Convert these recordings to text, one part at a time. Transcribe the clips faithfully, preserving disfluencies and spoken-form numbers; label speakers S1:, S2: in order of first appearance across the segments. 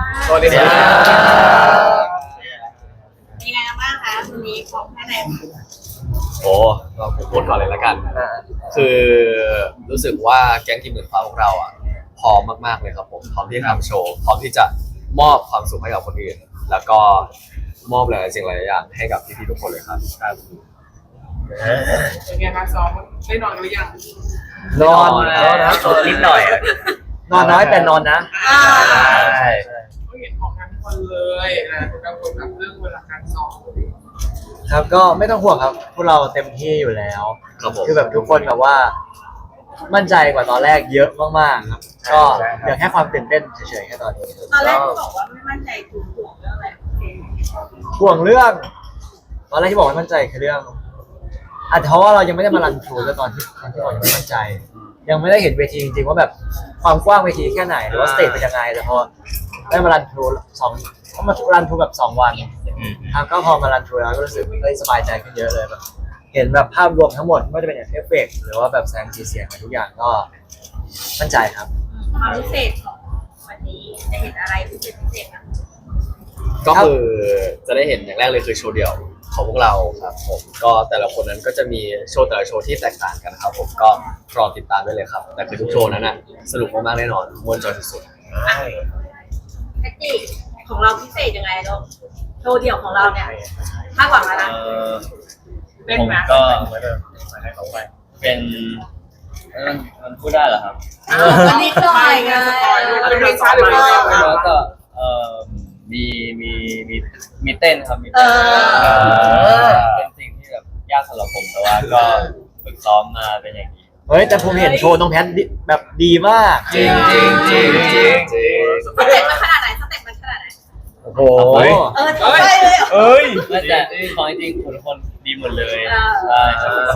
S1: สวัสดีครับ
S2: เป็นยังไงบ้างคะวันนี้ของแค่ไหน
S1: โอ้เราผมพูดก่อนเลยละกันคือรู้สึกว่าแก๊งทีมหมื่นฟ้าของเราอ่ะพร้อมมากๆเลยครับผมพร้อมที่จะทำโชว์พร้อมที่จะมอบความสุขให้กับคนอื่นแล้วก็มอบหลายสิ่งหลายอย่างให้กับพี่ๆทุกคนเลยครับครับ
S3: เป็นไงคะซ้อมได้นอนกันหรือยัง
S4: นอนแล้วนะ
S5: นิดหน่อย
S4: นอนน้อยแต่นอนนะ
S3: ใช่ก็เห็นออกงานทุกคนเลยนะโปรแกรมคนกับเรื่องเวลาการซ้อม
S4: ครับก็ไม่ต้องห่วงครับพวกเราเต็มที่อยู่แล้วคือแบบทุกคนแบบว่ามั่นใจกว่าตอนแรกเยอะมากๆครับก็เดี๋ยวแค่ความตื่นเต้นเฉยๆแค่ตอนนี้
S2: ตอนแรกที่บอกว่าไม่มั่นใจคือห่วงเรื่องอะไร
S4: ห่วงเรื่องตอนแรกที่บอกว่ามั่นใจคือเรื่องอาจจะเพราะว่าเรายังไม่ได้มารันทรูแล้วตอนที่ตอนที่บอกยังไม่มั่นใจยังไม่ได้เห็นเวทีจริงๆว่าแบบความกว้างเวทีแค่ไหนหรือว่าสเตจเป็นยังไงแต่พอได้มารันทรูสองเขามารันทรูแบบสองวันครับก็พอมารันทรูแล้วก็รู้สึกได้สบายใจขึ้นเยอะเลยแบบเห็นแบบภาพรวมทั้งหมดไม่ว่าจะเป็นเอฟเฟกต์หรือว่าแบบแสงสีเสียงทุกอย่างก็มั่นใจครับ
S2: ความพิเศษของวันนี้จะเห็นอะไรพิเศษพิเศษนะ
S1: ก็คือจะได้เห็นอย่างแรกเลยคือโชว์เดี่ยวของพวกเราครับผมก็แต่ละคนนั้นก็จะมีโชว์แต่ละโชว์ที่แตกต่างกันครับผมก็รอติดตามได้เลยครับแต่คือทุกโชว์นั้นน่ะสนุกมากๆแน่นอนม่วนจอยสุด
S2: แท็กซี่ของเราพิเศษยังไงลูกโชว์เดี่ยวของเราเนี่ยคาดหวังอะไรนะ
S5: ผมก็เป็นมันพูดได้เหรอครับ
S2: วันนี้ก็อะไรไง
S3: เป็นเพลงช้าหรือเพลงเร็ว
S5: แล้วก็เอ่อมีมีมีมีเต้นครับมีเต้นเป็นสิ่งที่แบบยากสำหรับผมแต่ว่าก็ฝึกซ้อมมาเป็นอย่างดี
S4: เฮ้ยแต่ผมเห็นโชว์น้องแพทแบบดีมาก
S5: จริงจริงจริงจริงจริง
S2: สเต็ปมันขนาดไหนสเต็ปมันขนาดไหน
S4: โอ้โห
S2: เออใช่เลย
S5: เอ้ยแต่ของจริงทุกคนดีหมดเลยใช่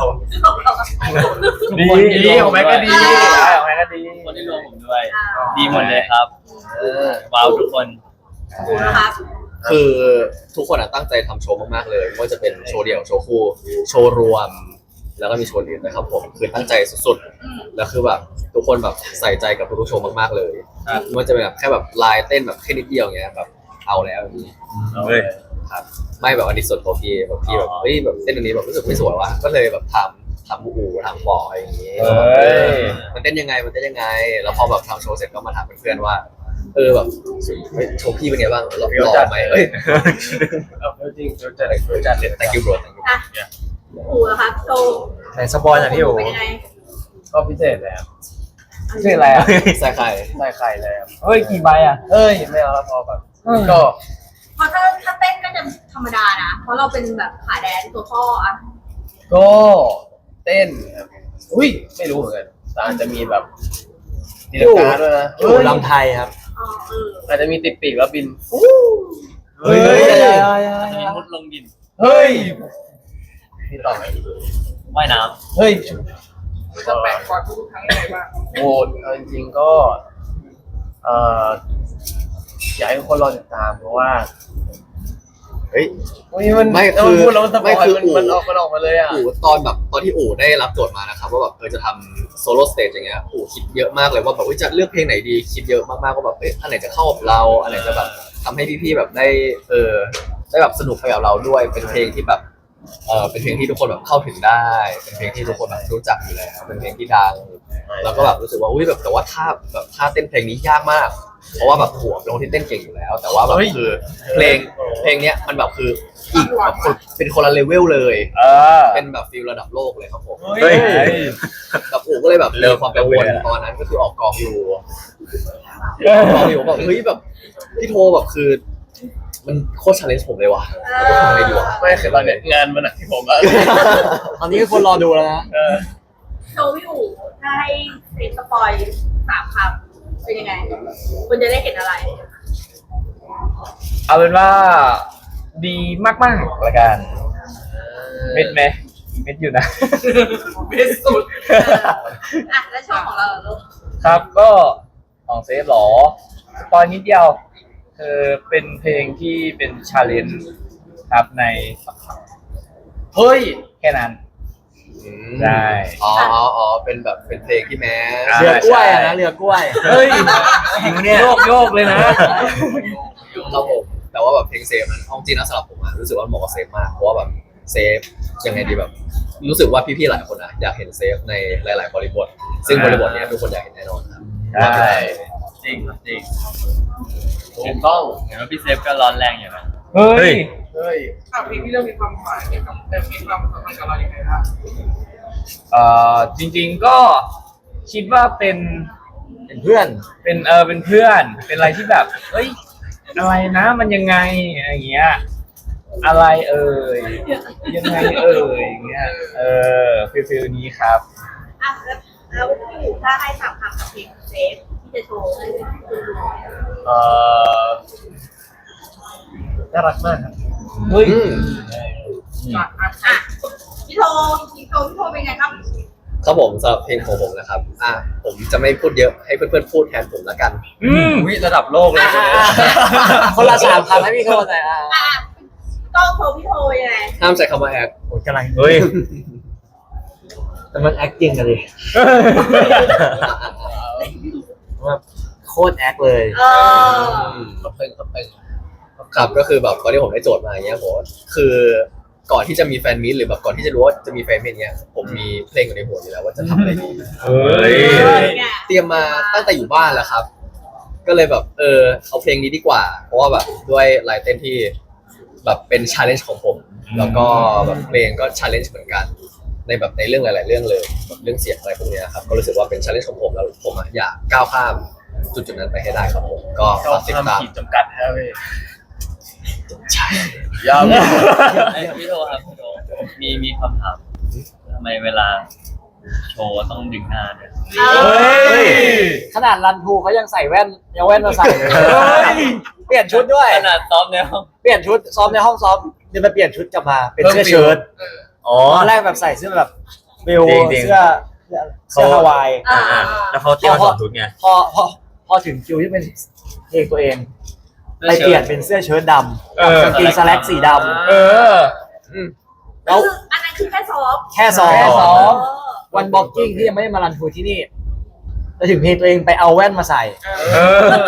S4: ดีดีของแม็กก็ดีของแม็กก็ดี
S5: คนที่รวมผมด้วยดีหมดเลยครับว้าวทุกคน
S1: คือทุกคนตั้งใจทำโชว์มากๆเลยไม่ว่าจะเป็นโชว์เดี่ยวโชว์คู่โชว์รวมแล้วก็มีโชว์อื่นนะครับผมคือตั้งใจสุดๆแล้วคือแบบทุกคนแบบใส่ใจกับทุกๆโชว์มากๆเลยไม่ว่าจะเป็นแบบแค่แบบลายเต้นแบบแค่นิดเดียวอย่างเงี้ยแบบเอาแล้วอย่างนี้ครับไม่แบบอันนี้ส่วนตัวพี่แบบพี่แบบเฮ้ยแบบเต้นอันนี้แบบรู้สึกไม่สวยว่ะก็เลยแบบทำทำอูทำปออะไรอย่างงี้มันเต้นยังไงมันเต้นยังไงแล้วพอแบบทำโชว์เสร็จก็มาถามเพื่อนๆว่าเออแบบโชว์พี่เป็นไงบ้างหล่อไหมเอ้ย
S5: จริงๆจัดเลยจัดเลย
S1: thank you bro thank you
S2: อู๋นะคะโชว์
S4: ไหนสปอยหน่อยพี่อู๋
S5: ก็พิเศษเลยครับพิเศษอะไรอ่ะ
S1: ใส่ไข่
S5: ใส่ไข่เลยเฮ้ยกี่ใบอ่ะเฮ้ยไม่เอาแล้วพอแบบก็
S2: พอถ้าถ้าเต้นก็จะธรรมดานะเพราะเราเป็นแบบขาแดนตัวพ่ออ่ะ
S5: ก็เต้นอุ้ยไม่รู้เหมือนกันแต่อาจจะมีแบบตีลังกาด้วยนะ
S4: อยู่ลำไทยครับ
S5: อาจจะมีติดปีกแล้วบิน
S4: เฮ้ย
S5: มีมุดลงดิน
S4: เฮ้ย
S5: พี่ต่อไหมว่ายน้ำ
S4: เฮ้ย
S3: จะแปลกกว่าทุกครั้งเลยบ้าง
S5: โอ้จริงๆก็เอ่ออยากให้ทุกคนรอติดตามเพราะว่า
S1: เฮ้ย
S5: มัน
S1: ไม่คือ
S5: พูดแล้วมันสปอย
S1: มัน
S5: มันออกมันออกมาเลยอ่ะ
S1: อู๋ตอนแบบตอนที่อู๋ได้รับโจทย์มานะครับว่าแบบเออจะทำโซโล่สเตจอย่างเงี้ยอู๋คิดเยอะมากเลยว่าแบบจะเลือกเพลงไหนดีคิดเยอะมากๆว่าแบบเอ๊ะอันไหนจะเข้ากับเราอันไหนจะแบบทำให้พี่ๆแบบได้เออได้แบบสนุกไปกับเราด้วยเป็นเพลงที่แบบเออเป็นเพลงที่ทุกคนแบบเข้าถึงได้เป็นเพลงที่ทุกคนแบบรู้จักอยู่แล้วเป็นเพลงที่ดังแล้วก็แบบรู้สึกว่าอุ้ยแบบแต่ว่าท่าแบบท่าเต้นเพลงนี้ยากมากเพราะว่าแบบหัวเป็นคนที่เต้นเก่งอยู่แล้วแต่ว่าแบบคือเพลงเพลงเนี้ยมันแบบคืออีกแบบเป็นคนละเลเวลเลยเป็นแบบฟีลระดับโลกเลยครับผมกับอู๋ก็เลยแบบมีความกังวลตอนนั้นก็คือออกกองอยู่กองอยู่แบบเฮ้ยแบบพี่โทแบบคือมันโคตรชาเลนจ์ผมเลยว่ะจะทำไงดีวะ
S5: ไม่คือตอนนี้งานมันหนักที่ผมอะ
S4: ตอนนี้คนรอดูแล้วนะ
S2: โชว์พี่อู๋ถ้าให้เซ็นสปอยสามคำเป็นยังไงคุณจะได้เห็นอะไร
S5: เอาเป็นว่าดีมากๆละกันเม็ดไหมเม็ดอยู่นะ
S3: เม็ดสุด
S2: อ่ะแล้วโชว์ของเราลูก
S5: ครับก็ของเซฟหรอสปอยนิดเดียวคือเป็นเพลงที่เป็นชาเลนจ์ครับในเฮ้ยแค่นั้น
S1: อืม
S5: ใช่
S1: อ๋ออ๋ออ๋อเป็นแบบเป็นเพลงที่แม้
S5: อ่า
S4: เรือกล้วยอะนะเรือกล้วย
S5: เฮ้ย
S4: จริงเนี่ย
S5: โยกโยกเลยนะ
S1: ครับผมแต่ว่าแบบเพลงเซฟนั้นเอาจริงนะสำหรับผมอะรู้สึกว่าเหมาะกับเซฟมากเพราะว่าแบบเซฟยังไงดีแบบ รู้สึกว่าพี่ๆหลายคนอะอยากเห็นเซฟในหลาย ๆ บริบท ซึ่งบริบทเนี้ยทุกคนอยากเห็นแน่นอนครับ
S5: ใช่จริงครับจริงถูกต้องเห็นว่าพี่เซฟก็ร้อนแรงอยู่นะ
S3: เฮ้ยเฮ้ยอ่ะเพลงที่เรื่องมีความหมายเกี่ยวกับแต่มีความสัมพันธ์กับเราอย่างไรครับ
S5: เอ่อจริงๆก็คิดว่าเป็น
S4: เป็นเพื่อน
S5: เป็นเออเป็นเพื่อน เป็นอะไรที่แบบเฮ้ยอะไรนะมันยังไงอะไรอย่างเงี้ยอะไรเอ่ยยังไงเอ่ยอย่างเงี้ยเออฟิลฟิลนี้ครับ
S2: อ่ะแล้วแล้วพี่อู๋ถ้าให้สามคำกับเพลงเซฟที่จะโชว์ให้คุณดู
S5: เออ
S4: น่ารักมากครับ
S5: เฮ้ย
S1: อืม
S3: อ่ะอ่ะ
S2: อ่ะพี่โทพี่โทพี่โทเป็นไงครับ
S1: ครับผมสำหรับเพลงของผมนะครับอ่ะผมจะไม่พูดเยอะให้เพื่อนๆพูดแทนผมละกัน
S5: อืมวิระดับโลกเลย
S4: คนละสามคำให้พี่โทษหน่อยอ่ะ
S2: อ่ะก็โทพี่โทยังไง
S1: ห้ามใช้คำว่าแอค
S4: โอ้ยกำลัง
S5: เฮ้ย
S4: แต่มันแอคจริงกันดิว่าโคตรแอคเลย
S2: เออ
S1: ครับเป็นครับเป็นครับก็คือแบบตอนที่ผมได้โจทย์มาอย่างเงี้ยผมคือก่อนที่จะมีแฟนมิตหรือแบบก่อนที่จะรู้ว่าจะมีแฟนมิตเนี้ยผมมีเพลงอยู่ในหัวอยู่แล้วว่าจะทำอะไรดี
S5: เฮ้ย
S1: เตรียมมาตั้งแต่อยู่บ้านแล้วครับ ก็เลยแบบเออเอาเพลงนี้ดีกว่า เพราะว่าแบบด้วยลายเต้นที่แบบเป็นชาเลนจ์ของผม แล้วก็แบบเพลงก็ชาเลนจ์เหมือนกัน ในแบบในเรื่องหลาย ๆ เรื่องเลยแบบเรื่องเสียงอะไรพวกเนี้ยครับก็รู้สึกว่าเป็นชาเลนจ์ของผมแล้วผมอะอยากก้าวข้ามจุดจุดๆนั้นไปให้ได้ครับผมก็
S5: ก็
S1: ฝากติดตาม
S5: ขีดจำกัดครับพี่
S1: ใช่
S5: ยอมพี่โทครับพี่โทมีมีคำถามทำไมเวลาโชว์ต้องดึงหน้าเนี่ย
S2: เฮ้ย
S4: ขนาดรันทูเขายังใส่แว่นยังแว่นมาใส่เลยเปลี่ยนชุดด้วย
S5: ขนาดซ้อมในห้อง
S4: เปลี่ยนชุดซ้อมในห้องซ้อมเดี๋ยวมาเปลี่ยนชุดกลับมาเป็นเสื้อเชิ้ต
S5: อ๋อ
S4: ตอนแรกแบบใส่เสื้อแบบเบล
S5: จริงๆ
S4: เสื้อเสื้อฮาวาย
S2: อ่า
S5: แล้วเขาเตรียมสอนชุดไง
S4: พอพอพอถึงคิวที่เป็นเพลงตัวเองไปเปลี่ยนเป็นเสื้อเชิ้ตดำ
S5: เออ
S4: กางเกงสแล็กสีด
S5: เออ
S4: ำแล้ว
S2: คืออันนั้นคือแค่ซ้อม
S4: แค่ซ้อม
S5: แค่ซ้อม
S4: วันบ็อกกิ้งที่ยังไม่ได้มารันทูที่นี่แล้วถึงเพลงตัวเองไปเอาแว่นมาใส่
S5: เออ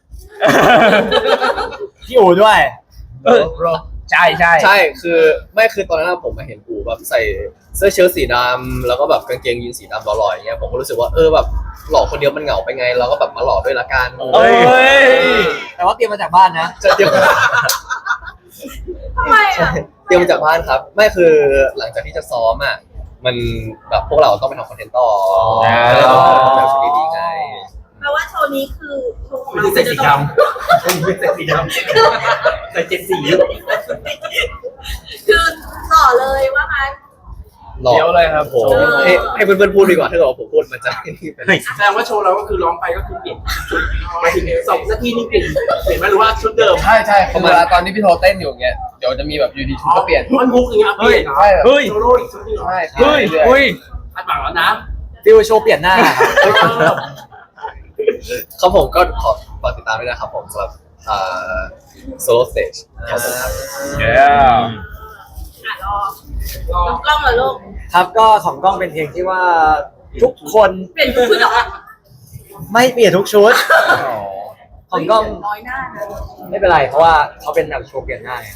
S4: พี่อู๋ด้วย
S5: เออใช่ใช่
S1: ใช่คือไม่คือตอนนั้นผมมาเห็นปู่แบบใส่เสื้อเชิ้ตสีดำแล้วก็แบบกางเกงยีนสีดำหล่อๆอย่างเงี้ยผมก็รู้สึกว่าเออแบบหล่อคนเดียวมันเหงาไปไง เราก็แบบมาหล่อด้วยละกัน
S5: เอ้ย
S4: แต่ว่าเตรียมมาจากบ้านนะ
S1: จะเตรียม
S2: ทำไมอ่ะ
S1: เตรียมมาจากบ้านครับ ไม่คือหลังจากที่จะซ้อมอ่ะมันแบบพวกเราต้องไปทำคอนเทนต์ต่อ
S5: อ่า
S1: แล้วเราต้องแบบชุดดีๆไง
S2: แปลว่าโชว์นี้คือโชว์ของ
S3: ไม่
S2: เรา
S3: ใช่ใส่สีดำไม่ใช่สีดำใส่เจ็ดสี
S2: คือต่อเลยว่างั้น
S1: หล่อ
S5: เดี๋ยวเลยครับผม
S1: ให้ให้เพื่อนๆพูดดีกว่าถ้าเกิดว่าผมพูดมันจะเป็น
S3: แสดงว่าโชว์เราก็คือร้องไปก็คือเปลี่ยนชุดหมายถึงสองนาทีนี่เปลี่ยนเปลี่ยนไหมหรือว่าชุดเดิม
S6: ใช่ใช่คือเวลาตอนที่พี่โทเต้นอยู่เงี้ยเดี๋ยวจะมีแบบอยูดีชุดก็เปลี่ยน
S3: มันฮุกอย่างเงี้ยเปลี่ยนเหรอ
S6: ใช่แบบ
S5: เฮ้ย
S3: โซโล่อีกชุดหนึงเหรอ
S6: ใช่
S5: เฮ้ยเฮ้ย
S3: คาดหวังแล้วนะ
S4: ฟิวโชว์เปลี่ยนหน้าครับ
S1: ครับผมก็ขอฝากติดตามด้วยนะครับผมสำหรับโซโล่สเตจครับผมครับ
S5: เย้
S2: อ่ะรอ
S3: รอ
S2: กล้องเหรอลูก
S4: ครับก็ของกล้องเป็นเพลงที่ว่าทุกคน
S2: เปลี่ยนชุดเหรอ
S4: ไม่เปลี่ยนทุกชุด ของกล้อง
S2: น้อยหน้านะ
S4: ไม่เป็นไรเพราะว่าเขาเป็นแบบโชว์เปลี่ยนหน้าไง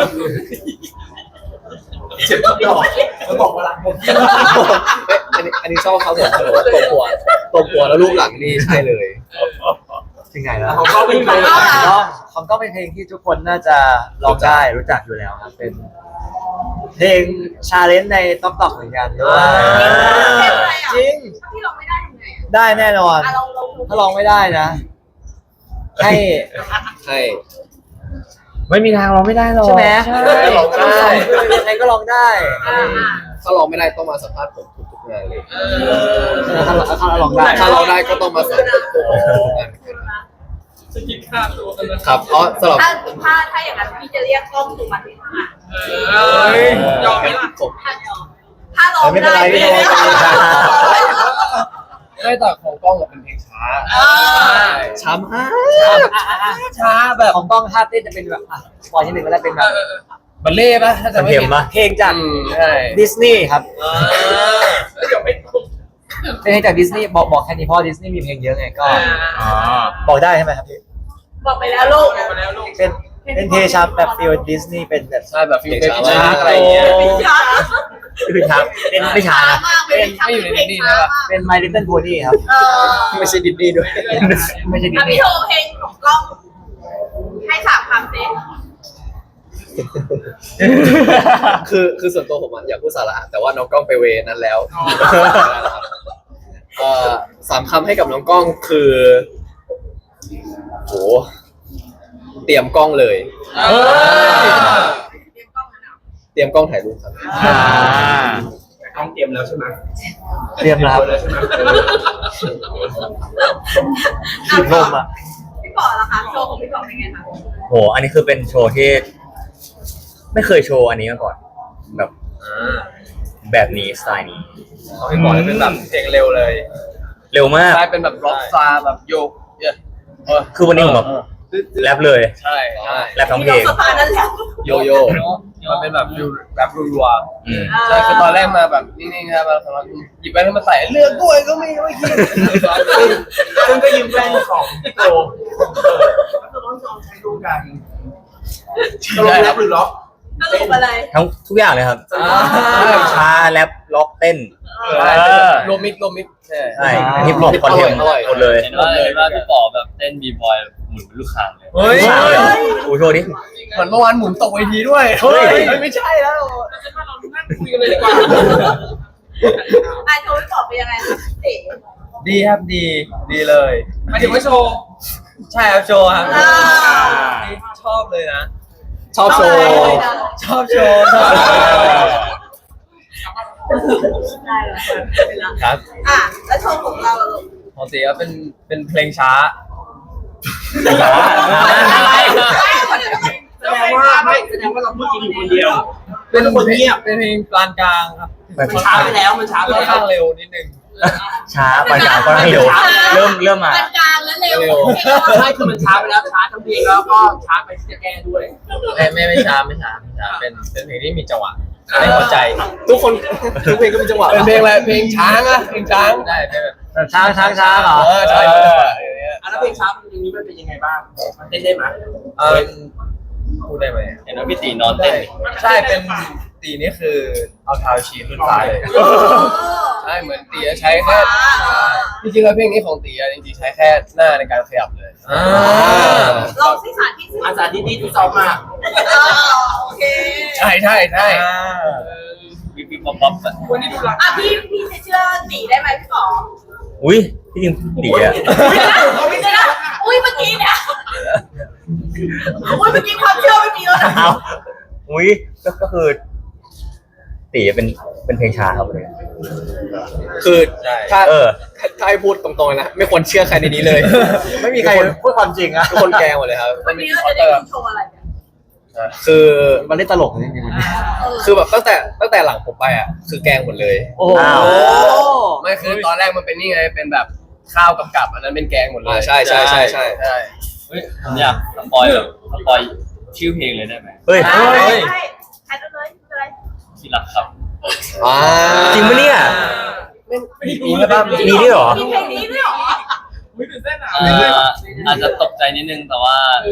S3: เจ็บทุกดอกแล้วบอกว่ารักผม
S1: เอ้ยอันนี้อันนี้ชอบเขาผมเขาบอกว่าตัวปัวตัวปัวแล้วรูปหลังนี่ใช่เลย
S4: ถึงไหนแล้ว
S3: ของเขาไม่มีใคร
S4: ของกล้องของกล้องเป็นเพลงที่ทุกคนน่าจะร้องได้รู้จักอยู่แล้วครับเป็น เพลงชาเลนจ์ในต๊อกต็อกเหมือนกันด้วย
S2: เพลงอะไรอ่ะ
S4: จริง
S2: ถ้าพี่ลองไม่ได้ทำไงอ่ะ
S4: ได้แน่นอน
S2: อ่ะลองลอง
S4: ถ้าร้องไม่ได้นะ ให้
S1: ใช่
S5: ไม่มีทางเราไม่ได้หรอก
S4: ใช่ไหม
S5: ใช่
S1: ร้องได้
S4: ยังไงก็ร้องได้
S2: อ่าอ่า
S1: ถ้าร้องไม่ได้ต้องมาสัมภาษณ์ผมทุกๆงานเลย
S4: ถ้าถ้าร้องได้
S1: ถ้าร้องได้ก็ต้องมาสัมภาษณ์ผมทุกๆงาน
S3: จะกินข้าวตัวกันเลย
S1: ครับเพราะสำหรับ
S2: ถ้าถ้าถ้าอย่างนั้นพี่จะเรียกกล้องถูกมาที่ข้างหลัง
S3: เอ้ยยอมไหมล่ะ
S1: ผม
S2: ถ้ายอมถ้าร้อง
S4: ไม่เป็นไร
S2: ด้
S4: ไม่เป็นไร
S6: ไม่แต่ของกล้องอะเป็นเพลงช้า
S2: เออ
S1: ช้ำฮะ
S4: ช้าแบบของกล้องท่าเต้นจะเป็นแบบอ่ะสปอยที่หนึ่งก็ได้เป็นแบบ
S6: บัลเล่ป่ะถ้าจะ
S5: มัน
S6: ไม่
S5: เค็ม
S6: ผิด
S5: ปะ
S4: เพลงจาก
S6: อืมใช่
S4: ดิสนีย์ครับ
S3: เดี๋ยวไม่ถูก
S4: เป็นเพลงจากดิสนีย์บอกบอกแค่นี้เพราะดิสนีย์มีเพลงเยอะไงก็
S5: อ๋อ
S4: บอกได้ใช่ไหมครับพี่
S2: บอกไปแล้วลูก
S3: มาแล้วลูก
S4: เป็นเป็นเพลงชาแบบฟิลดิสนีย์เป็นแบบ
S6: ใช่แบบฟิล
S1: เพ
S6: เบ
S1: ลง
S6: บี้
S1: ช้า
S6: ชาร์กอะไรอย่างเงี้ย
S2: เป็นช้า
S4: คือช้าเป็นไม่ช้านะ
S2: มากเป็น
S6: ไม่อยู่ในดิสนีย์นะ
S4: เป็น My Little Pony ครับ
S2: เออ
S1: ไม่ใช่ดิสนีย์ด้วย
S4: ไม่ใช่ดิส
S2: อ่ะ
S4: นี
S2: พี่
S4: ย์
S2: โทรเพลงของกล้องให้สามคำสิ
S1: คือคือส่วนตัวผมอะอยากพูดสาระแต่ว่าน้องกล้องไปเวนั้นแล้วเอ่อสามคำให้กับน้องกล้องคือโหเตรียมกล้องเลย
S5: เออ
S2: เตรียมกล้องนะ
S1: เตรียมกล้องถ่ายรูปครับ
S5: อ่า
S3: ต้องเตรียมแล้วใช่ไหม
S4: เตรียมรับ
S3: แล้วใช่ไหม
S4: ฉีดลมอ่ะ
S2: พี่ป๋อล่ะคะโชว์ของพี่ป๋อเป็นไงคะ
S5: โห อันนี้คือเป็นโชว์ที่ไม่เคยโชว์อันนี้มาก่อน แบบแบบนี้สไตล์นี้
S6: เขาไม่บอกเลยเป็นแบบเพลงเร็วเลย
S5: เร็วมาก
S6: ใช่เป็นแบบร็อกซาร์แบบโยกเยอะเออ
S5: คือวันนี้ผมแบบแรปเลย
S6: ใช่ใช่
S5: แรปทั้งเพลง
S2: สตาร์นั่นแหละ
S1: โยโย่
S6: มันเป็นแบบฟิลแบบรัว
S5: อืม
S6: ๆใช่คือตอนแรกมาแบบนิ่งๆครับมาสามารถหยิบแว่นมาใส่เลือกด้วยก็ไม่ไม่คิด
S3: ซึ่งก็ยืมแว่นของพี่โตก็ต้องลองใช้ดูกันตลกแล้วหรือล็อก
S2: สรุปอะไร
S5: ทั้งทุกอย่างเลยครับช้าแรปล็อกเต้น
S6: ใช่รวมมิดรวมมิดใช่
S5: ใช่ฮิปฮอปคอนเทนต์หมดเลย
S7: เห็นว่าเห็นว่าพี่ป๋อแบบเต้นบีบอยหมุนเป็นลูกคางเลย
S6: เฮ้ย
S5: โอ้โชว์ดิ
S6: เหมือนเมื่อวานหมุนตกเวทีด้วย
S5: เฮ้ย
S6: ไม่ใช่แล้ว
S3: จะมาเรานั่งคุยกันเลยดีกว่า
S2: อ่ะโชว์พี่ป๋อเป็นยังไงคะเอ๋
S6: ดีครับดีดีเลย
S3: หมายถึงว่าโชว์
S6: ใช่ครับโชว์ครับ
S2: อ่า
S6: ชอบเลยนะ
S1: ชอบโชว์
S6: ชอบโชว์ชอบ
S2: ได้แล้วไปแล้ว
S6: ครับ
S2: อ่ะแล้วโชว์ของเราลูก
S6: ปกติก็เป็นเป็นเพลงช้า
S3: แสดงว่าไม่แสดงว่าเราพูดจริงอยู่คนเดียว
S6: เป็นคนเงียบเป็นเพลงปานกลางครับ
S3: มันช้าไปแล้วมันช้าไป
S6: ค่อน
S3: แล้
S6: ข้าง
S3: ว
S6: เร็วนิดนึง
S5: ช้าปานกลางก็เร็ว เริ่มเริ่มมา
S2: ปานกลางแล้วเร็ว
S1: เร็ว
S3: ใช่คือมันช้าไปแล้วช้าทั้งเพลงแล้วก็ช้าไปที่จะแก้ด้วย
S6: ไม่ไม่ไม่ช้าไม่ช้าไม่ช้าเป็นเป็นเพลงที่มีจังหวะให้หัวใจ
S1: ทุกคนทุกเพลงก็มีจังหวะ
S6: เป็นเพลงอะไรเพลงช้างอะเพลงช้างได้เป็นแบบ
S4: แบบช้างช้างช้างเหรอ
S6: เออใช่เป็นจังหวะอย่างเงี้ย
S3: อ่ะแล้วเพลงช้าอย่างนี้มันเป็นยังไงบ้างมันเต้นได้ไหม
S6: เออพูดได้ไหม
S7: เห็นว่าพี่ตีนอนเต้น
S6: ใช่เป็นตีนี่คือเอาเท้าชี้ขึ้นฟ้าเลย
S2: โอ้
S6: ใช่เหมือนตีใช้แค่จริงๆแล้วเพลงนี้ของตีอะจริงๆใช้แค่หน้าในการขยับเลย
S2: ลองสิสาธิตสิ
S3: อาสาที่ดีที่ซ้อมมาก
S2: อ่าโอเค
S6: ใช่ใช่ใช่
S7: วิบวิบป๊อปป๊อปอะ
S3: วันนี้ดูรัก
S2: อ่ะพี่พี่จะเชื่อตีได้ไหมพี่ป๋อ
S5: อุ้ยที่จริงดีอะ
S2: ไม่ได้นะอุ้ยเมื่อกี้เนี่ยอุ้ยเมื่อกี้ความเชื่อไม่มีแล้วนะ
S5: เอาอุ้ยก็ก็คือตีเป็นเป็นเพลงช้าครับเลย
S1: คือถ้า
S5: เออ
S1: ถ้าถ้าให้พูดตรงๆนะ ไม่ควรเชื่อใครในนี้เลย
S4: ไม่มีใครพูดความจริงอะ
S1: ทุกคนแกล้งหมดเลยครับ
S2: วันนี้เราจะได้ดูโชว์อะไรกัน
S1: คือ
S4: มันเล่นตลกจริงๆวันนี้
S2: เออ
S1: คือแบบตั้งแต่ตั้งแต่หลังผมไปอ่ะคือแกล้งหมดเลย
S4: โอ้โห
S5: อ้าว
S6: ไม่คือตอนแรกมันเป็นนี่ไงเป็นแบบข้าวกับกับอันนั้นเป็นแกงหมดเลย
S1: อ่าใช่ใช่ใช่ใช่
S6: ใช่
S7: เฮ้ยผมอยากสปอยแบบสปอยชื่อเพลงเลยได้ไหม
S5: เฮ้ย
S2: ใช่ใช่ใช่เลยไม่เป็นไร
S7: ที่รักครับ
S1: อ่า
S5: จริงปะเนี่ย
S6: มีไหมบ้าง
S5: มีด้วยเหรอ
S2: มีเพลงนี้ด้วยเหรอ
S3: อุ้ยตื่นเต้นอ่ะ
S7: เอ่ออาจจะตกใจนิดนึงแต่ว่า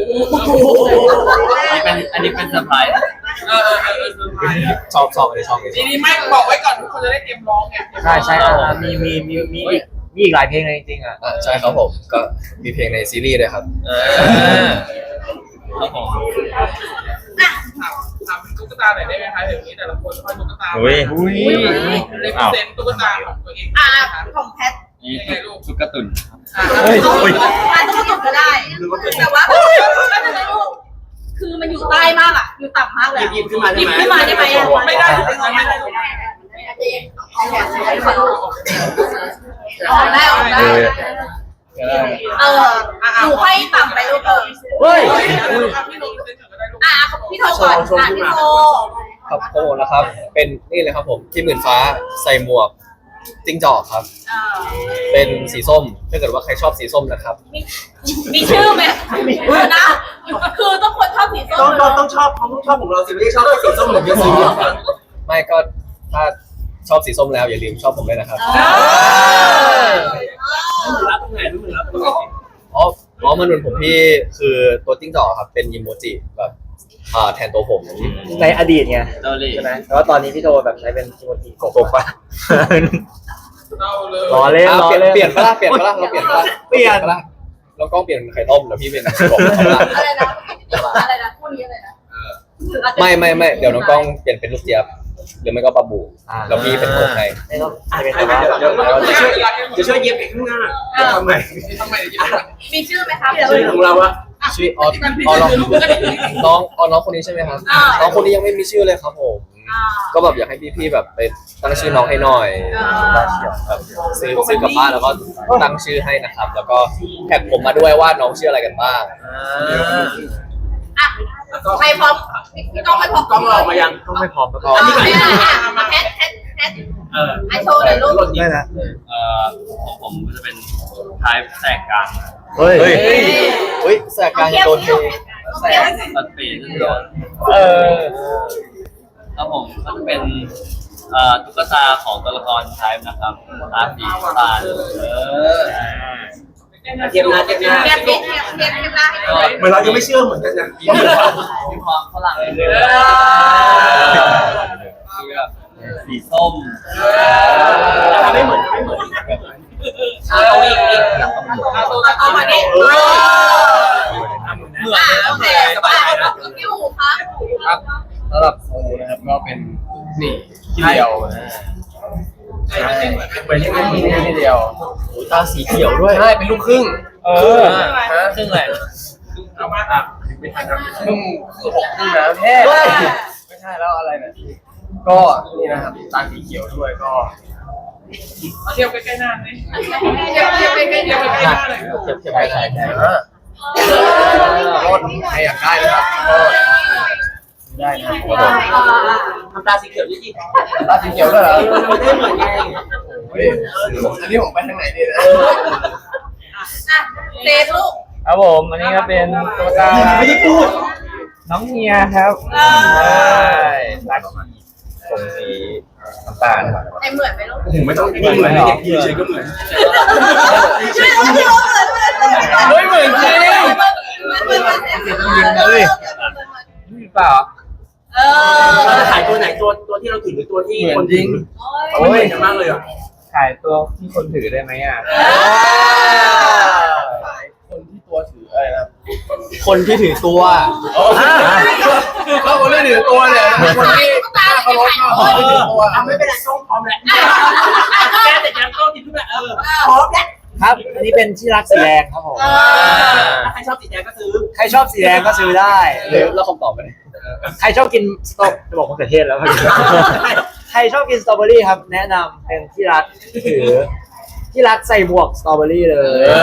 S7: อันนี้เป็นอันนี้เป็นเซอร์ไพรส์
S3: เออเออเออเออ
S1: ชอบชอบเลยชอบเลย
S3: ทีนี้ไม่บอกไว้ก่อนทุกคนจะได้เตรียมร้องไง
S4: ใช่ใช่อ่ะมีมีมีมีอีกมีอีกหลายเพลงเลยจริงๆอ่ะ
S1: อ่าใช่ครับผมก็มีเพลงในซีรีส์ด้วยครับ
S7: ครับผม
S3: ถามถามตุ๊กตาหน่อยได้ไหมคะอย่างนี้แต่ละคนค่อยตุ๊กตา
S5: อุ้ย
S3: เลเซนตุ๊กตาของตัวเอง
S2: อ่ะของแพท
S7: นี่ชุกกระตุน
S3: อ่ะ
S5: เฮ้ย
S2: เอาอ่ะต้องกดก็ได้ แต่ว่าไม่เป็นไรลูกคือมันอยู่ใต้มากอ่ะ อยู่ต่ำมากเลย
S3: หยิบขึ้นมาได้
S2: หยิบ
S3: ไหม
S2: ขึ้นมาได้ไหมอ่ะ
S3: ไม่ได้ไม่ได้ไม่ได้
S2: ออกได้ออกได้ เออหนูให้ต่ำไปลูกเออ
S4: เฮ้ย
S3: พี่นนท์เซ็นก็ได้ลูก
S2: อ่ะพี่โทรก่อนอ่ะพี่โทร
S1: ครับโคนะครับ เป็นนี่เลยครับผมที่หมื่นฟ้าใส่หมวกจิ้งจอกครับ
S2: เออ
S1: เป็นสีส้มถ้าเกิดว่าใครชอบสีส้มนะครับ
S2: มีมีชื่อไหมเออนะ คือต้องคนชอบสีส้ม
S3: ต้องต้องต้องชอบเขาต้องชอบของเราสิไม่ได้ชอบแค่สีส้มหรือสีส้ม
S1: ไม่ก็ถ้าชอบสีส้มแล้วอย่าลืมชอบผมด้วยนะครับ
S3: รับตรงไหนรู้มือรับตรงไหน
S1: อ๋ออ๋อมันเหมือนผมพี่คือตัวจิ้งจอกครับเป็นอิโมจิแบบอ่าแทนตัวผม
S4: ในอดีตไง
S7: เกาหลี
S4: ใช่ไหมแต่ว่าตอนนี้พี่โทแบบใช้เป็นคิโมจิโกโก้ปะล้อเล่น
S1: อ่ะ
S4: ล้อ
S1: เปลี่ยน
S4: เล่น
S1: เปลี่ยนปะล่ะเปลี่ยนปะล่ะเราเปลี่ยนปะล่ะ
S4: เปลี่ยน
S1: ปะล่ะเรากล้องเปลี่ยนไข่ต้มแล้วพี่เป็นกบปะล่ะ
S2: อะไรนะอะไรนะคู่นี้อะไรนะ
S1: ไม่ไม่ไม่เดี๋ยวน้องกล้องเปลี่ยนเป็นลูกเจี๊ยบหรือไม่ก็ปลาบูแล้วพี่เป็นโค้ชให้
S4: ไม่ต้องอาจจะเป็น
S3: เดี๋
S4: แต่
S3: ยว
S4: ว่า
S3: เดี๋ยวจะช่วยจะช่วยเย็บไปข้างหน้าทำไม
S2: มีชื่อไหมครับ
S3: ชื่อของเราอะ
S1: ชื่อออออน้องน้องออน้องคนนี้ใช่ไหมครับน้องคนนี้ยังไม่มีชื่อเลยครับผมก็แบบอยากให้พี่ๆแบบไปตั้งชื่อน้องให้หน่อยแบบซื้อซื้อกลับบ้านแล้วก็ตั้งชื่อให้นะครับ แล้วก็แท็กผมมาด้วยว่าน้องชื่ออะไรกันบ้าง
S2: อ่ะใครพร้อมพี่ก้องไม่พร้อม
S3: กล้องเราออกมายัง
S4: ต้องไม่พร้อมแล้วก็
S2: อันนี้มาแฮชแฮชแฮช
S3: เออ
S2: ไอโชว์หน่อยลูก
S4: ไม่นะ
S7: เอ่อของผมจะเป็นท้ายแสกกลาง
S4: เฮ้ย
S1: เฮ้ยเฮ้ยแสกกลางโดนเท
S2: แสก
S7: ตัดปีนโดน
S5: เออ
S7: ครับผมก็จะเป็นเอ่อตุ๊กตาของตัวละครไทป์นะครับตาสีตาเออ
S3: เทียมหน้าเทียมหน้า
S2: เทียบเทียบเทียบเทียบเทียบหน้าให้หน่อย
S3: เหมือนเรายังไม่เชื่อเหมือนกันนะ
S7: มีความฝรั่งเลยคือแบบสีส้ม
S3: ไม่เหมือนไม่เหมือน
S2: เอาอีกอีกเอามาเนี่ย
S3: เหมือน
S2: อ่าโอเคพี่หูครับ
S6: สำหรับโซนะครับก็เป็นนี่ที่เดียว
S3: เหมือนยังไง
S6: ที่นี่ที่เดียว
S1: ตาสีเขียวด้วย
S6: ใช่เป็นลูกครึ่ง
S5: เออ
S6: ฮะ
S7: ซึ่งแหละ
S3: เอามาอ่ะไม่ทันครับ
S6: ครึ่งคือหกครึ่งนะแท้ไม่ใช่แล้วอะไรเนี่ยก็นี่นะครับตาสีเขียวด้วยก็
S2: เทียบเทียบใกล้ๆใกล้ๆเทียบเทียบใกล้ๆ
S1: เทียบเทียบไปไหน
S6: อ่าก็ใครอยากได้นะครับก็
S4: ได้นะ
S3: ทำตาสีเขียวยี่สิบ
S6: ตาสีเขียวด้วยเหรอ
S3: ไม่ได้เหมือนไง
S6: เฮ้ยอันนี้ผมไปทางไหนดีนะ
S2: อ่ะเซฟลูก
S5: ครับผมอันนี้ก็เป็นตุ๊กตา
S3: ไม่ได้พูด
S5: น้องเมียครับ
S2: เออ
S5: ใช่รักผมสีน้ำตาลครับ
S2: ไอเหมือนไหมลูก
S3: ไม่ต้องเหมือนเด็กยืนเฉยก็เหมือน
S2: ไม่เหมือนเหมือนเหมือน
S5: เฮ้ยเหมือนจริง
S2: เหมือนเหมือน
S5: ยิงเลยเปล่า
S2: เอ
S3: เรา
S2: อ
S3: จะขายตัวไหนตัวตัวที่เราถือหรือตัวที่คนยิง
S2: โอ้ย
S3: โอ้ยกันมากเลยอ่ะ
S5: ขายตัวที่คนถือได้ไหมอ่ะ
S6: คนที่ตัวถืออะไรนะ
S1: คนที่ถือตัว
S6: ก็คนที่ถือตัวเนี่ยคนที่
S2: ตาเขาลด
S6: คนที่ถือตัว
S3: อ่ะไม่เป็นไรกล้องพร้อมแล้วแกแต่ยังกล้องติดทุกแบบเออพร้อมแล้ว
S4: ครับ อันนี้เป็นที่รักสีแดงครับผม
S3: ใครชอบสีแดงก็ซื้อ
S4: ใครชอบสีแดงก็ซื้อได้
S1: หรือเราคำตอบไปเลย
S4: ใครชอบกินสตรอจะบอกมะเขือเทศแล้วครับใครชอบกินสตรอเบอรี่ครับ แนะนำเป็นที่รักถือที่รักใส่หมวกสตรอเบอรี่เลย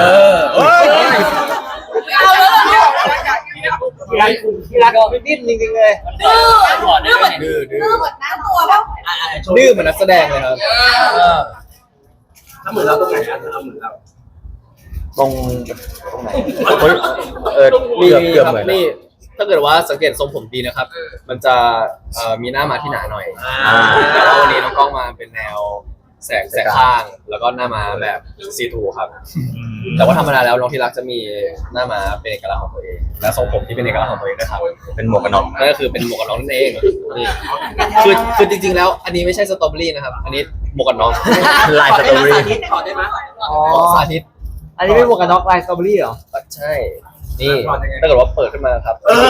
S2: เอาแล้ว
S4: ที่รักที่รักไม่ดิ้นจริงๆเลย
S2: ดื้อดื้อเหมือน
S1: ดื้อดื้อ
S2: ดื้อเหมือนน้าตัวป่ะ
S1: ดื้อเหมือนนักแสดงเลยครับ
S3: ถ้าเหมือนเราตรงไหนอ่ะเอาเหมือนเรา
S4: ตรงตรงไหน
S1: เออมีเกือบเหมือนนี่ถ้าเกิดว่าสังเกตทรงผมดีนะครับ มันจะเอ่อมีหน้ามาที่หนาหน่อยแต่ว่าวันนี้น้องกล้องมาเป็นแนวแสกแสกข้าง แล้วก็หน้ามาแบบซีทูครับ แต่ว่าธรรมดาแล้วน้องที่รักจะมีหน้ามาเป็นเอกลักษณ์ของตัวเอง และทรงผมที่เป็นเอกลักษณ์ของตัวเองนะครับ เป็นหมวกกันน็อกนั่นก็คือเป็นหมวกกันน็อกนั่นเองนี่คือคือจริงๆแล้ว อันนี้ไม่ใช่สตรอเบอรี่นะครับ อันนี้หมวกกันน็อก
S4: ลายสตรอเบอรี่
S3: สาธิตถอดได้ไหม
S4: อ๋อ
S1: สาธิต
S4: อันนี้เป็นหมวกกันน็อกลายสตรอเบอรี่เหรอ
S1: ใช่ นี่ถ้าเกิดว่าเปิดขึ้นมาครับ
S3: เออ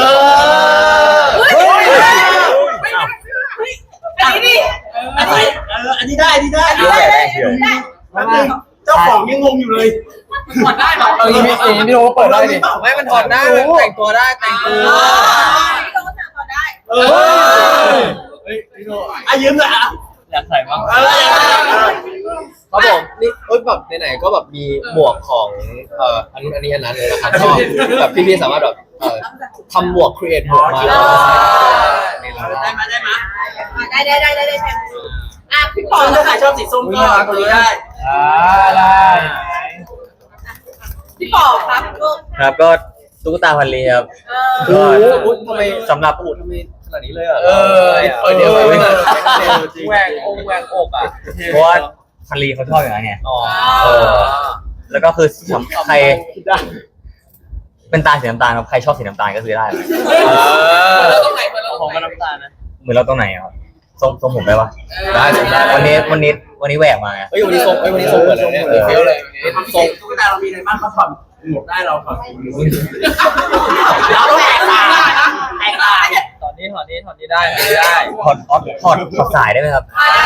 S2: อันนี้ดิ
S3: อันนี้เอออันนี้ได้อันนี้ได้
S2: อันนี้ได้ได้ได้
S3: เจ้าของยังงงอยู่เลย
S2: ถอดได้เหรอ
S6: เอาอย่างนี้อย่างนี้พี่โอเปิดได้ดิ
S1: ไม่มันถอดได้มันแต่งตัวได้แต่งตัว
S2: พี่โดนถอดได้
S3: เออเฮ้ยพี่โน่อ่ะยืมเลยอ่ะ
S7: อยากใส่บ้าง
S3: เออ
S1: ครับผมนี่เอ้ยแบบไหนๆก็แบบมีหมวกของเอ่ออันนู้นอันนี้อันนั้นเลยนะครับก็แบบพี่ๆสามารถแบบเอ่อทำหมวกครีเอทหมวกมาแล้วก็ใส่ในร้าน
S3: ได้มาได้มา
S2: ได้ได้ได้ได้ได้แทนอ่ะพี่ปอ
S3: ถ้าใครชอบสีส้มก็ตัวนี้ได้
S5: อ่าได้
S2: พี่ปอครับลูก
S4: ครับก็
S5: ตุ๊กตาพันลีครับ
S2: เอ
S1: โอ้
S2: อ
S1: โหทำไม
S5: สำหรับ
S1: โอ้โหทำไมขนาดนี้เลยอ่ะ
S6: เออ
S1: เออเดี๋ยวไปไม่ได้
S5: แหวกองแหวกอกอ่ะเพราะว่าพันลีเขาชอบอย่างนั้นไง
S1: อ๋อ
S5: เออ แล้วก็คือสำใครเป็นตาสีน้ำตาลครับใครชอบสีน้ำตาลก็ซื้อได้
S6: ตรงไหนมาแล้ว
S7: ของก็น้ำตาลนะ
S5: เหมือนเราตรงไหนอ่ะทรงทรงผมได้ปะ
S1: ได้ได้ได้
S5: วันนี้วันนี้วันนี้แหวกมาไง
S1: เฮ้ยวันนี้ทรงเฮ้ยวันนี้ทรงเหมือนเลยเนี่ย
S6: เฟี้ยวเลยวันนี้
S3: ความพิเศษตุ๊กตาเรามีอะไรบ้างเขาถอดหมวกได้เราถอดหมวก
S2: เราแตกต่างนะแตกต่าง
S7: ตอนนี้ถอนนี้ถอนนี้ได้ถอนนี้ได้
S5: ถอดถอดถอดถอดสายได้ไหมครับ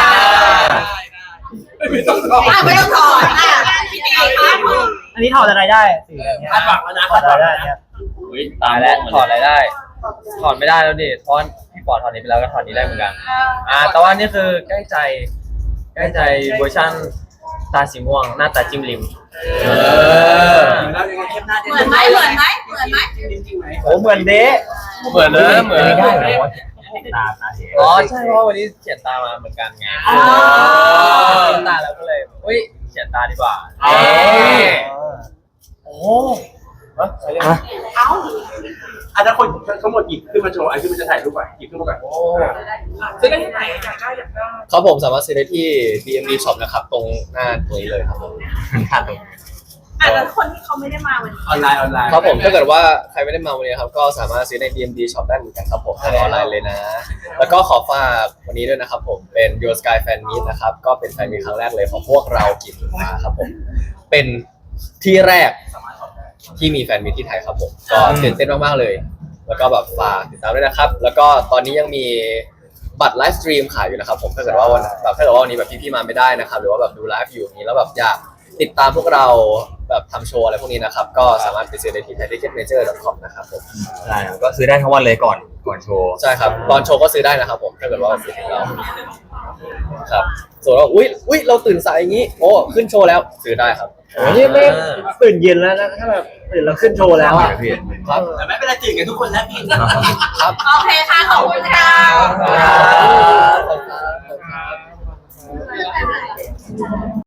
S3: ไม่ต้องถอด
S2: อ่ะไม่ต้องถอดอ่ะพี่ตีคะคุณ
S4: อันนี้ถอดอะไรได้สีอันเนี้ย
S3: คาดหวังแล้วนะ
S4: ถอ
S3: คา
S4: ด
S3: ด
S4: อะ
S3: ห
S4: ไร
S3: วัง
S4: ได้
S3: แล้ว
S4: เนี่ย
S7: อุ้ยตายแล้วถอนอะไรได้ ถอนไม่ได้แล้วดิเพราะพี่ปอดถอนนี้ไปแล้วก็ถอนนี้ได้เหมือนกัน อ่า แต่ว่านี่คือใกล้ใจ ใกล้ใจเวอร์ชันตาสีม่วงหน้าตาจิ้มลิม
S3: เออแล้วยังไงเข้มหน้า
S2: เหมือนไหมเหมือนไหมเหมือนไหม
S3: จริงไหม
S4: โอ้เหมือนเดะ
S6: เหมือนเลยเหมือน
S5: ไม่ได้เหรอวะตาตาเสีย
S7: อ๋อใช่เพราะวันนี้เขียนตามาเหมือนกันไง
S2: อ๋อ
S7: เขียนตาแล้วก็เลยอุ้ยเขียนตาดีกว่า
S6: เอ้ย
S7: โอ้
S3: เอ้าอาจจะคนทั้งหมดหยิบขึ้นมาโชว์ไอ้ที่มันจะถ่ายรูปก่อนหยิบขึ้นมาก่อนโอ้ซื้อได้ที่ไหนอยากได้อยากได้
S1: ครับผมสามารถซื้อได้ที่ ดี เอ็ม ดี Shop นะครับ ตรงหน้าตรงนี้เลยครับผม
S5: หน้าตรง
S2: อ่ะแล้วคนที่เขาไม่ได้มาวันนี้
S3: ออนไลน์ออนไลน์
S1: ครับผมถ้าเกิดว่าใครไม่ได้มาวันนี้ครับก็สามารถซื้อใน ดี เอ็ม ดี Shop ได้เหมือนกันครับผมทางออนไลน์เลยนะ แล้วก็ขอฝากวันนี้ด้วยนะครับผมเป็น Your Sky Fan Meet นะครับก็เป็นแฟนมีตครั้งแรกเลยของพวกเรากินมาครับผมเป็นที่แรกที่มีแฟนมีตที่ไทยครับผมก็ตื่นเต้นมากๆเลย แล้วก็แบบฝากติดตามด้วยนะครับ แล้วก็ตอนนี้ยังมีบัตรไลฟ์สตรีมขายอยู่นะครับผมถ้าเกิดว่าวันแบบถ้าเกิดว่าวันนี้แบบพี่ๆมาไม่ได้นะครับหรือว่าแบบดูไลฟ์อยู่อย่างนี้แล้วแบบอยากติดตามพวกเราแบบทำโชว์อะไรพวกนี้นะครับ ก็สามารถไปซื้อได้ที่ ไทยทิกเก็ตเมเจอร์ ดอท คอม นะครับผม
S5: ใช่ครับก็ซื้อได้ทั้งวันเลยก่อนก่อนโชว์
S1: ใช่ครับตอนโชว์ก็ซื้อได้นะครับผมถ้าเกิดว่าซื้อถึงเราครับส่วนว่าอุ้ยอุ้ยเราตื่นสายอย่างนี้โอ้ขึ้นโชว์แล้วซื้อได้ครับ
S4: โอ้นี่ไม่ตื่นเย็นแล้วนะถ้าแบบตื่นแล้วขึ้นโชว์แล้วอ่ะ
S1: ครับ
S3: แต่ไม่เป็นไรตื่นกันทุกคนแล้วพี่
S1: ครับ
S2: โอเคค่ะ ขอบคุณค่ะ
S1: ครับ